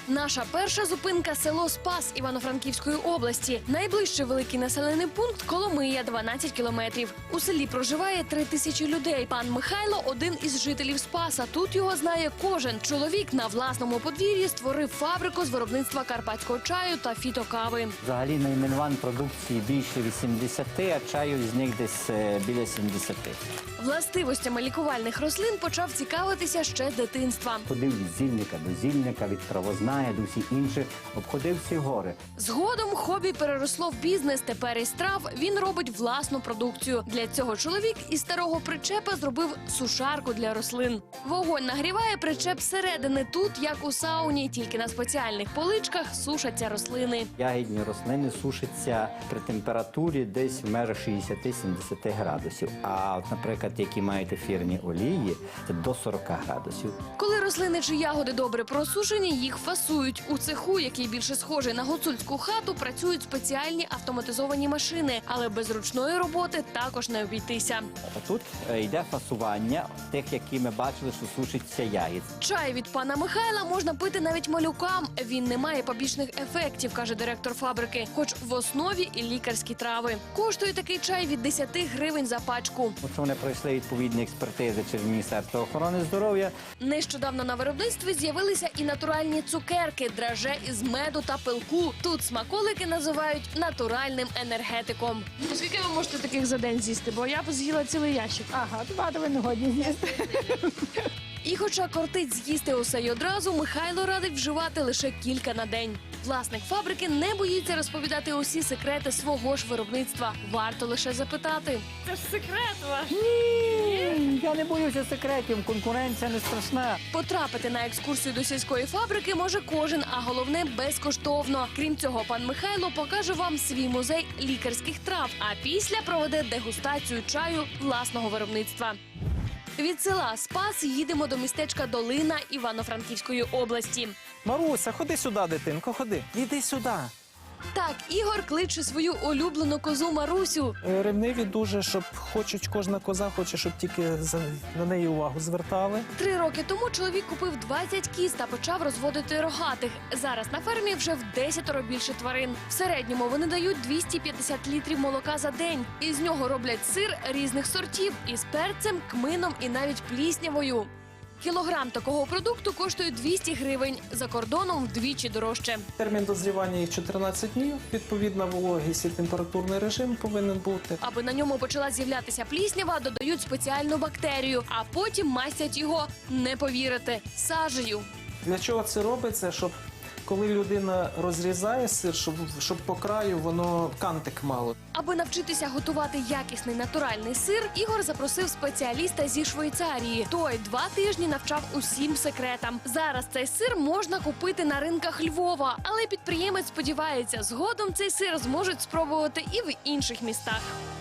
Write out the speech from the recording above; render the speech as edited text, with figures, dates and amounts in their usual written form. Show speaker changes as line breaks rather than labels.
Наша перша зупинка – село Спас Івано-Франківської області. Найближчий великий населений пункт – Коломия, 12 кілометрів. У селі проживає 3000 людей. Пан Михайло – один із жителів Спаса. Тут його знає кожен. Чоловік на власному подвір'ї створив фабрику з виробництва карпатського чаю та фітокави.
Взагалі найменувань продукції більше 80, а чаю з них десь біля 70.
Властивостями лікувальних рослин почав цікавитися ще з дитинства.
Ходив від зільника до зільника, від травозная до всіх інших, обходив всі гори.
Згодом хобі переросло в бізнес. Тепер із трав він робить власну продукцію. Для цього чоловік із старого причепа зробив сушарку для рослин. Вогонь нагріває причеп зсередини. Тут, як у сауні, тільки на спеціальних поличках сушаться рослини.
Ягідні рослини сушаться при температурі десь в межах 60-70 градусів. А от, наприклад, які мають ефірні олії, це до 40 градусів.
Коли рослини чи ягоди добре просушені, їх фасують. У цеху, який більше схожий на гуцульську хату, працюють спеціальні автоматизовані машини. Але без ручної роботи також не обійтися.
А тут йде фасування тих, які ми бачили, що сушиться ягід.
Чай від пана Михайла можна пити навіть малюкам. Він не має побічних ефектів, каже директор фабрики. Хоч в основі і лікарські трави. Коштує такий чай від 10 гривень за пачку.
От вони пройшли відповідні експертизи через Міністерство охорони здоров'я.
Нещодавно на виробництві з'явилися і натуральні цукерки, драже із меду та пилку. Тут смаколики називають натуральним енергетиком. Скільки ви можете таких за день з'їсти? Бо я б з'їла цілий ящик.
Ага, багато ви не годні з'їсти.
І хоча кортить з'їсти усе й одразу, Михайло радить вживати лише кілька на день. Власник фабрики не боїться розповідати усі секрети свого ж виробництва. Варто лише запитати. Це ж секрет ваш.
Ні, я не боюся секретів, конкуренція не страшна.
Потрапити на екскурсію до сільської фабрики може кожен, а головне – безкоштовно. Крім цього, пан Михайло покаже вам свій музей лікарських трав, а після проведе дегустацію чаю власного виробництва. Від села Спас їдемо до містечка Долина Івано-Франківської області.
Маруся, ходи сюди, дитинко, ходи. Іди сюди.
Так, Ігор кличе свою улюблену козу Марусю.
Ревниві дуже, щоб кожна коза хоче, щоб тільки на неї увагу звертали.
3 роки тому чоловік купив 20 кіз та почав розводити рогатих. Зараз на фермі вже в 10 більше тварин. В середньому вони дають 250 літрів молока за день. Із нього роблять сир різних сортів із перцем, кмином і навіть пліснявою. Кілограм такого продукту коштує 200 гривень, за кордоном вдвічі дорожче.
Термін дозрівання їх 14 днів, відповідна вологість і температурний режим повинен бути.
Аби на ньому почала з'являтися пліснява, додають спеціальну бактерію, а потім мастять його, не повірите, сажею.
Для чого це робиться? Щоб коли людина розрізає сир, щоб по краю воно кантик мало.
Аби навчитися готувати якісний натуральний сир, Ігор запросив спеціаліста зі Швейцарії. Той 2 тижні навчав усім секретам. Зараз цей сир можна купити на ринках Львова, але підприємець сподівається, згодом цей сир зможуть спробувати і в інших містах.